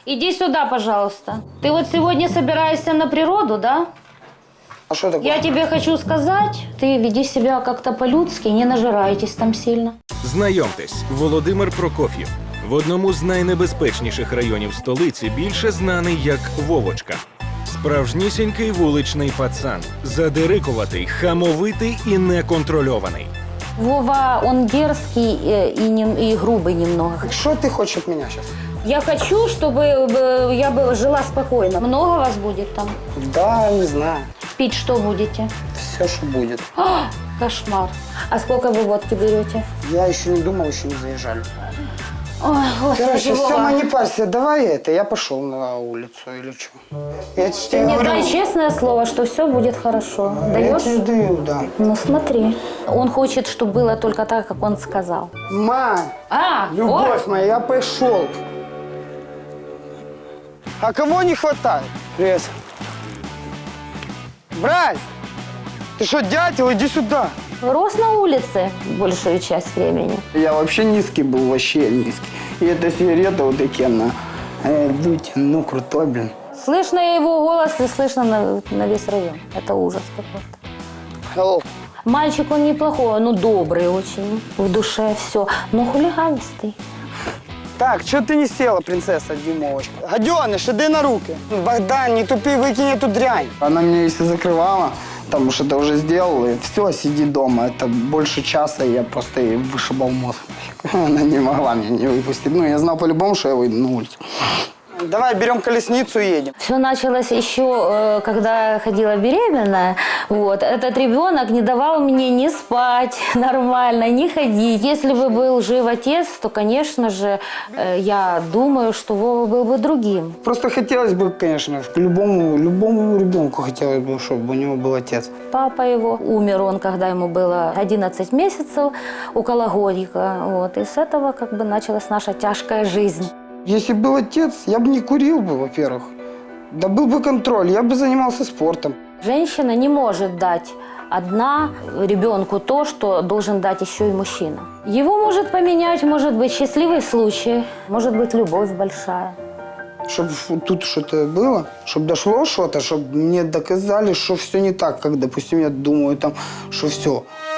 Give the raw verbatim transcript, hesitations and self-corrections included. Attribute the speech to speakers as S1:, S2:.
S1: Иди сюда, пожалуйста. Ты вот сегодня собираешься на природу, да?
S2: А что такое?
S1: Я тебе хочу сказать, ты веди себя как-то по-людски, не нажирайтесь там сильно.
S3: Знайомтесь, Володимир Прокоф'єв. В одному з найнебезпечніших районів столиці більше знаний як Вовочка. Справжнісінький вуличний пацан. Задирикуватий, хамовитий і неконтрольований.
S1: Вова, он дерзкий э, и, не, и грубый немного.
S2: Что ты хочешь от меня сейчас?
S1: Я хочу, чтобы э, я бы жила спокойно. Много вас будет там?
S2: Да, не знаю.
S1: Пить что будете?
S2: Все, что будет.
S1: А, кошмар. А сколько вы водки берете?
S2: Я еще не думал, еще не заезжали.
S1: Ой, господи,
S2: Короче,
S1: Вова.
S2: Сема, не парься, давай это, я пошел на улицу или что. Я
S1: Ты
S2: тебе
S1: мне
S2: говорю,
S1: дай честное слово, что все будет хорошо.
S2: я
S1: Даешь?
S2: тебе даю, да.
S1: Ну смотри. Он хочет, чтобы было только так, как он сказал.
S2: Ма,
S1: А,
S2: любовь моя, я пошел. А кого не хватает? Привет. Брась, ты что, дятел, иди сюда.
S1: рос на улице большую часть времени.
S2: Я вообще низкий был, вообще низкий. И эта сигарета вот такие на э, дуть, ну крутой, блин.
S1: Слышно его голос и слышно на, на весь район. Это ужас какой-то.
S2: Hello.
S1: Мальчик он неплохой, ну добрый очень, в душе все, но хулиганистый.
S2: Так, что ты не села, принцесса Димовочка? Гаденыш, иди на руки. Богдан, не тупи, выкинь эту дрянь. Она меня если закрывала, там уж это уже сделала, и все, сиди дома. Это больше часа, я просто ей вышибал мозг. Она не могла меня не выпустить. Ну, я знал по-любому, что я выйду на улицу. Давай берем колесницу и едем.
S1: Все началось еще, э, когда я ходила беременная. Вот. Этот ребенок не давал мне ни спать нормально, ни ходить. Если бы был жив отец, то, конечно же, э, я думаю, что Вова был бы другим.
S2: Просто хотелось бы, конечно, к любому, любому ребенку хотелось бы, чтобы у него был отец.
S1: Папа его умер, он, когда ему было одиннадцать месяцев, около годика. Вот. И с этого как бы началась наша тяжкая жизнь.
S2: Если был отец, я бы не курил бы, во-первых. Да был бы контроль, я бы занимался спортом.
S1: Женщина не может дать одна ребенку то, что должен дать еще и мужчина. Его может поменять, может быть, счастливый случай, может быть, любовь большая.
S2: Чтобы тут что-то было, чтобы дошло что-то, чтобы мне доказали, что все не так, как, допустим, я думаю, там, что все.